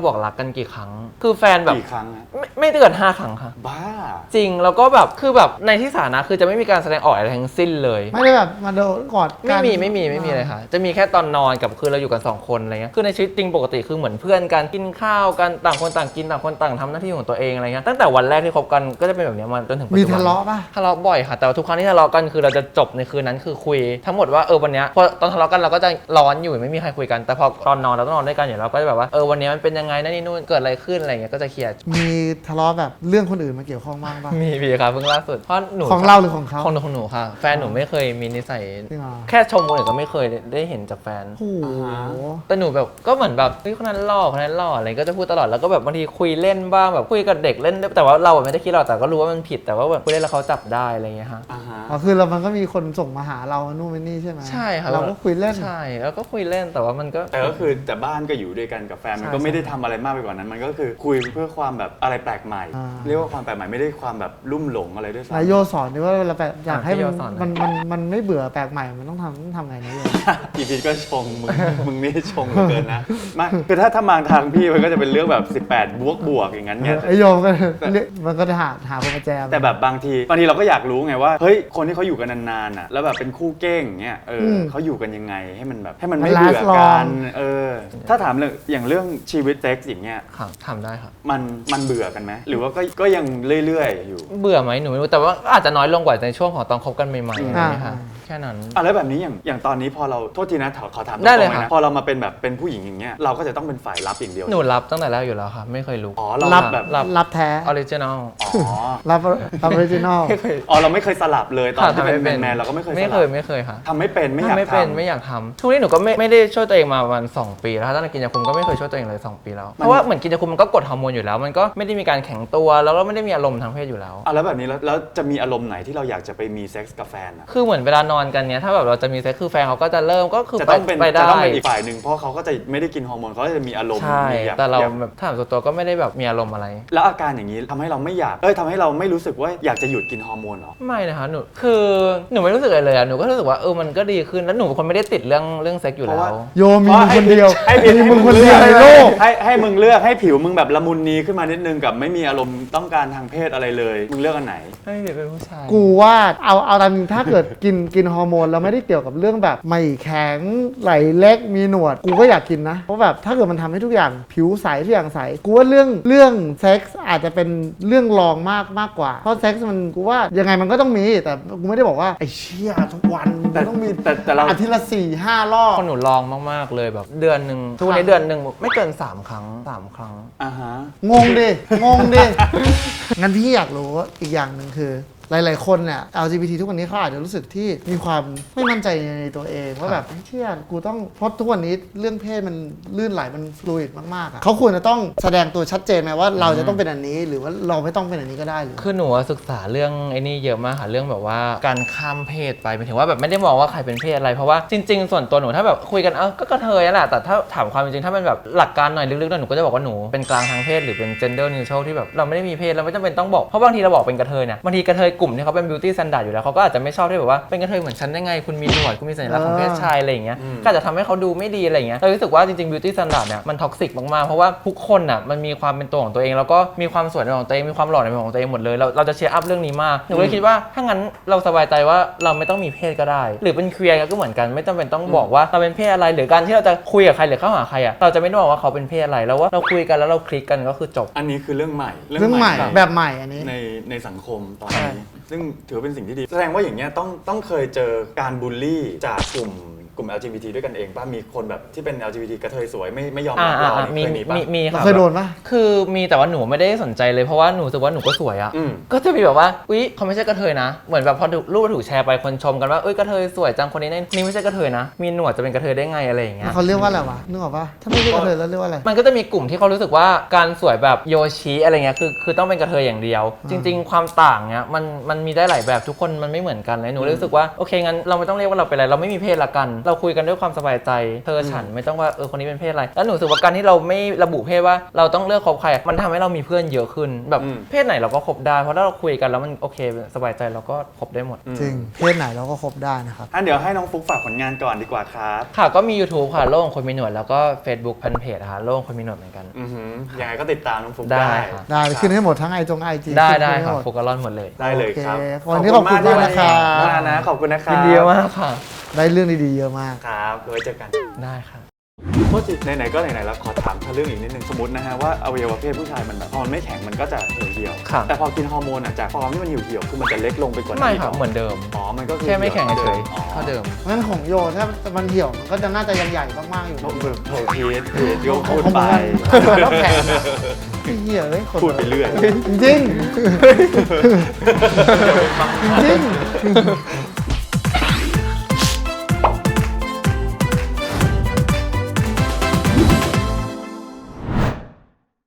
C: บอกรักกันกี่ครั้ง คือแฟนแบบ
A: กี่ครั้งอะ
C: ไม่ไม่เกินห้าครั้งค่ะ
A: บ้า
C: จริงแล้วก็แบบคือแบบในที่สาธารณะคือจะไม่มีการแสดงออกอะไรทั้งสิ้นเลย
B: ไม่ได้แบบมาโดนกอดกั
C: ไม่
B: น
C: มีไม่มีไม่มีเลยค่ะ จะมีแค่ตอนนอนกับคือเราอยู่กันสองคนอะไรเงี้ยคือในชีวิตจริงปกติคือเหมือนเพื่อนกันกินข้าวกันต่างคนต่างกินต่างคนต่างทำหน้าที่ของตัวเองอะไรเงี้ยตั้งแต่วันแรกที่คบกันก็จะเป็นแบบเนี้ยมาจนถึงปัจ
B: มี
C: จุบัน
B: ทะเลาะป่ะ
C: ทะเลาะบ่อยค่ะแต่ว่าทุกครั้งที่ทะเลาะกันคือเราจะจบในคืนนั้นคือคุย ทั้งหมดว่าเออวันเนี้ยพอตอนทะเลาะกันเราก็จะร้อนอยู่ไม่มีใครคุยกันแต่พอตอนนอนเราต้องนอนด้วยกันอยู่เราก็จะแบบว่าเออวันนี้มันเป็นยังไงนั่นนี่นู่นเกิดอะไรขึ้นอะไรเงี้ยก็จะเคลียร์
B: มีทะเลาะแบบเรื่องคนอื่นมาเกี่ยวข้องบ้างป่ะ
C: มีพี่ครับเพิ่งล่าสุดเพราะหนู
B: ของเราหรือของเขา
C: ของหนูของหนูค่ะแฟนหนูไม่เคยมีนิสัย
B: จริงเหรอ
C: แค่ชมคนอื่นก็ไม่เคยได้เห็นจากแฟน
B: โอ้โห
C: แต่หนูแบบก็เหมือนแบบเฮ้ยคนนั้นหล่อคนนั้นหล่ออะไรก็จะพูดตลอดแล้วก็แบบบางทีคุยเล่นบ้างแบบคุยกับเด็กเล่นแต่ว่าเราไม่ได้คิดหรอกแต่ก็รู้ว่ามันผิดแต่ว่าแบบคุยเล่นแล้วเขาจับได้อะไรเงี้ยฮะ
A: อ่าฮะ
B: อ๋อคือเรามันก็มีคนส่งมาหาเรานู่นนี่ใช่ไหม
C: ใช่ครับ
B: เราก็คุยเล่น
C: ใช่แล้วก็คุยเล่นแต่ว่ามันก็
A: แต่ก็คือแต่บ้านก็อยู่ด้วยกันกับแฟนมันก็
C: ใช่
A: ไม่ได้ทำอะไรมากไปกว่านั้น มันก็คือคุยเพื่อความแบบอะไรแปลกใหม่
B: อ่า
A: เรียกว่าความแปลกใหม่ไม่ได้ความแบบลุ่มหลงอะไรด้วย
B: นายโย
A: ซ้ำ
B: สอนดิว่าเวลาแบบอยากให้
C: พี่
B: มัน
C: โยสอนหน่อย
B: มันมันมันไม่เบื่อแปลกใหม่มันต้องทำต้องทำไงนะโย
A: อีพีก็ชงมึง มึงนี่ชงเหลือเกินนะไม่คือถ้าถ้ามางทางพี่มันก็จะเป็นเรื่องแบบสิบแปดบวกบวกอย่างนั้นไง
B: ไอโยมก็เรียกมันก็จะหาหาคนมาแจม
A: แต่แบบบางทีบางทีเราก็อยากรู้ไงว่าเฮ้ยคนที่เขาอยู่กันนานๆอ่ะแล้วแบบเป็นคู่เก้งอย่างเงี้ยเอออ
B: ม
A: เขาอยู่กันยังไงให้มันแบบให้มันไม่
B: มัน
A: เบื่อ
B: last long
A: กันเออถ้าถามเรื่องอย่างเรื่องชีวิตเซ็กซ์อย่างเงี้ย
C: ครับทำได้ครับ
A: มันมันเบื่อกันไหมหรือว่าก็ก็ยังเรื่อยๆอยู่
C: เบื่อไหมหนูไม่รู้แต่ว่าอาจจะน้อยลงกว่าในช่วงของตอนคบกันใหม่ๆอะไร
B: อ่า
C: เงี้ยค่ะแค่นั้น
A: อ่ะแล้วแบบนี้อย่างอย่างตอนนี้พอเราโทษทีนะขอขอถามตรง
C: ได้เลย
A: ๆ
C: ค่ะ
A: นะพอเรามาเป็นแบบเป็นผู้หญิงอย่างเงี้ยเราก็จะต้องเป็นฝ่ายรับอย่างเดียว
C: หนูรับตั้งแต่แรกอยู่แล้วค่ะไม่เคยรู้
A: อ๋อเรา
B: รับ
A: แบบ
C: รับ
B: รับแท้
C: ออริจินอล
A: อ๋อ
B: รับออริจินอล
C: ไม่เคย
A: อ๋อเราไม่เคยสลับเลยตอนที่
C: ทำ
A: เป็น
C: ไม่เป็น
A: แมนๆเราก็ไม่เคยส
C: ไม่
A: ลั
C: เคย
A: บ
C: ไม่เคยค่ะ
A: ทำไม่เป็นไม่อยาก
C: ทำไม่เป็น
A: ทำ
C: ไม่อยากทำทุกนี้หนูก็ไม่ไม่ได้ช่วยตัวเองมาประมาณสองปีแล้วถ้าตั้งแต่กินยาคุมก็ไม่เคยช่วยตัวเองเลยสองปีแล้วเพราะว่าเหมือนกินยาคุมมันก็กดฮอร์โมนอยู่แล้ว มันก็ไม่ได้มีการแข็งตัวแล้วก็ไม่ได้มีอารมณ์ทางเพศอยู่แล้ว
A: อ่ะแล้วแบบนี้แล้วแล้วจะมีอารมณ์ไหนที่เราอยากจะไปมีเซ็กส์กับแฟนอะ
C: คือเหมือนเวลานอนกันเนี้ยถ้าแบบเราจะมีเซ็กซ์คือแฟนเขาก็จะเริ่มก็คือ
A: จะ
C: ไป
A: ต้องเป็น
C: ไป
A: จะ
C: ได้
A: ต้องเป็นอีกฝ่ายหนึ่งเพราะเขาก็จะไม่ได้กินฮอร์โมนเขาก็จะมีอารมณ์
C: ใช่
A: มีอยก
C: แต่เรา
A: อยก
C: แบบถามส่วนตัวก็ไม่ได้แบบมีอารมณ์อะไร
A: แล้วอาการอย่างนี้ทำให้เราไม่อยากเอ้ยทำให้เราไม่รู้สึกว่าอยากจะหยุดกินฮอร์โมนเหรอ
C: ไม่นะคะหนูคือหนูไม่รู้สึกอะไรเลยอะหนูก็รู้สึกว่าเออมันก็ดีขึ้นแล้วหนูเป็นคนไม่ได้ติดเรื่องเรื่องเซ็กซ์อยู่
A: เพ
C: แล้
A: ราะว่า
C: ว
B: โยมมีมึงคนเดียว
A: ให้ผิด
B: มี
A: ให้
B: มึงคนเดียวในโลก
A: ให้ให้มึงเลือกให้ผิวมึงแบบละมุนนีขึ้นมานิดนึงกับไม่มีอารมณ์ต้องการทางเพศอะไรเลยมึงเลือกอันไหน
C: ไม่เป็นผู้ชาย
B: กูว่าเอาเอาตามจริงถ้าเกิดกินกินฮอร์โมนแล้วไม่ได้เกี่ยวกับเรื่องแบบไม่แข็งไหลเล็กมีหนวดกูก็อยากกินนะเพราะแบบถ้าเกิดมันทำให้ทุกอย่างผิวใสทุกอย่างใสกูว่าเรื่องเรื่องเซ็กส์อาจจะเป็นเรื่องรองมากมากกว่าเพราะเซ็กส์มันกูว่ายังไงมันก็ต้องมีแต่กูไม่ได้บอกว่าไอ้เชี่ยทุกวันมันต้องมี
A: แต่แต่เรา
B: อาทิตย์ละสี่ห้ารอบ
C: คนหนูลองมากๆเลยแบบเดือนหนึ่งทุกวันนี้เดือนหนึ่งไม่เกินสามครั้งสามครั้ง
A: อ่าฮะ
B: งงดิ งงดิ งั้นพี่อยากรู้อีกอย่างหนึ่งคือ หลายๆคนเนี่ย แอล จี บี ที ทุกวันนี้เขาอาจจะรู้สึกที่มีความไม่มั่นใจในตัวเองว่าแบบเชี่ยกูต้องเพราะทุกวันนี้เรื่องเพศมันลื่นไหลมันฟลูอิดมากๆอะเขาควรจะต้องแสดงตัวชัดเจนไหมว่าเราจะต้องเป็นอันนี้ หรือว่าเราไม่ต้องเป็นอันนี้ก็ได้หรือ
C: คือหนูอะศึกษาเรื่องไอ้นี่เยอะมากค่ะเรื่องแบบว่าการข้ามเพศไปหมายถึงว่าแบบไม่ได้มองว่าใครเป็นเพศอะไรเพราะว่าจริงๆส่วนตัวหนูถ้าแบบคุยกันเออก็กระเทยนั่นแหละแต่ถ้าถามความจริงถ้ามันแบบหลักการหน่อยลึกๆหน่อยหนูก็จะบอกว่าหนูเป็นกลางทางเพศหรือเป็น gender neutral ที่แบบเราไม่ได้มีเพศเราไม่จำเป็นต้องบอกเพราะบางทีเราบอกเป็นกระเทยเนี่ยบางทีกระเทยกลุ่มที่เขาเป็น beauty standard อยู่แล้วเขาก็อาจจะไม่ชอบที่แบบว่าเป็นกระเทยเหมือนฉันได้ไงคุณมีหนวดคุณมีสัญลักษณ์ของเพศชายอะไรอย่างเงี้ยก็อาจจะทำให้เขาดูไม่ดีอะไรอย่างเงี้ยเรารู้สึกว่าจริงๆ beauty standard เนี่ยมันท็อกซิกมากๆเพราะว่าทุกคนอ่ะมันมีความเป็นตัวของตัวเองแล้วก็มีความสวยในของตัวเองมีความหล่อในของตัวเองหมดเลยเราเราจะเชียร์อัพเรื่องนี้มากหนูเลยคิดว่าถ้างั้นเราสบายใจว่าเราไม่ต้องมีเพศก็ได้หรือเป็นเคลียร์ก็เหมือนกันไม่จำเป็นต้องบอกว่าเราเป็นเพศอะไรหรือการที่เราจะคุยกับใครหรือเข้าหาใครอ่ะเราจะไม่ต้องบอกว่าเขาเป็นเพศอะไรแล้วว่าเราคุยกันแล้วเราคลิกกันก็คือจบ
A: อันนี้คือเรื่องใหม่
B: เรื่องใหม่แบบใหม่อันนี้
A: ในในสังคมตอนนี้ ซึ่งถือว่าเป็นสิ่งที่ดี แสดงว่าอย่างเงี้ยต้องต้องเคยเจอการบูลลี่จากกลุ่มกลุ่ม แอล จี บี ที ด้วยกันเองป่ะมีคนแบบที่เป็น แอล จี บี ที กระเทยสวยไม่ไม่ยอมรับเรา
C: อ่า
A: นี่
C: มี
A: เคยมีป่ะ
C: มีมี
B: เรา
C: ค่ะ
B: เคยโดนปะ
C: คือมีแต่ว่าหนูไม่ได้สนใจเลยเพราะว่าหนูรู้สึกว่าหนูก็สวยอะ
A: อืม
C: ก็จะมีแบบว่าอุ๊ยเขาไม่ใช่กระเทยนะเหมือนแบบพอถูกรูปถูกแชร์ไปคนชมกันว่าเอ้ยกระเทยสวยจังคนนี้นี่นี่ไม่ใช่กระเทยนะมีหนวดจะเป็นกระเทยได้ไงอะไรอย่างเงี้ย
B: เขาเรียกว่าอะไรวะนึกออกปะถ้าไม่เรียกกระเทยแล้วเรียกว่าอะไร
C: มันก็จะมีกลุ่มที่เขารู้สึกว่าการสวยแบบโยชิอะไรเงี้ยคือคือต้องเป็นกระเทยอย่างเดียว จริง ๆ ความต่างเนี้ยมันมันมีได้หลายแบบทุกคนมันไม่เหมือนกันเลยหนูเลยรู้สึกว่าโอเคงั้นเราไม่ต้องเรียกว่าเราเป็นอะไรเราไม่มีเพศละกันเราคุยกันด้วยความสบายใจเธอฉันไม่ต้องว่าเออคนนี้เป็นเพศอะไรแล้วหนูรู้สึกว่าการที่เราไม่ระบุเพศว่าเราต้องเลือกคบใครมันทำให้เรามีเพื่อนเยอะขึ้นแบบเพศไหนเราก็คบได้เพราะถ้าเราคุยกันแล้วมันโอเคสบายใจเราก็คบได้หมด
B: จริงเพศไหนเราก็คบได้นะครับ
A: อ่ะเดี๋ยวให้น้องฟุกฝากผลงานก่อนดีกว่าครับ
C: ค่ะก็มี YouTube ค่ะโลกของคนมีหนวดแล้วก็ Facebook แฟนเพจค่ะโลกของคนมีหนวดเหมือนกัน
A: อือหือยังไงก็ติดตามน้องฟุก
C: ได้
A: ได้
C: ค่ะ
B: ได้ขึ้นให้หมดทั้งไอจงไอจี
C: ได้ได้ค่ะโฟกัสลอนหมดเลย
A: ได้เลยครับ
B: โอเควันนี้ขอบคุณมากนะครับ
A: มากนะขอบคุณนะครับ
C: ยินดีมากค่ะ
B: ได้เรื่องดีๆเยอะมาก
A: ครับไว้เจอกัน
C: ได้ค่ะ
A: โทษทีไหนๆก็ไหนๆแล้วขอถามเรื่องอีกนิดนึงสมมตินะฮะว่าอวัยวะเพศผู้ชายมันแบบพอมันไม่แข็งมันก็จะเหี่ยวเหี่ยวๆ
C: ครับ
A: แต่พอกินฮอร์โมนอ่ะจากฟอร์มที่มันเหี่ยวเหี่ยวๆคือมันจะเล็กลงไปกว่านั้น
C: ไม่
A: อีก
C: ค่ะ
A: ร
C: เหมือนเดิม
A: อ๋อมันก็คือ
C: แค่ไม่แข็งเฉย
A: อ๋อ
C: ๆเท่าเดิม
B: งั้นของโยถ้ามันเหี่ยวมันก็จะน่าจะยังใหญ่มากๆอยู่
A: ต้องแบบโถพีทพีทก็พูดไป
B: แล้วแข็งอะไอ้เหี้ยเลยคน
A: พูดไปเรื่อย
B: จริงๆจริงๆ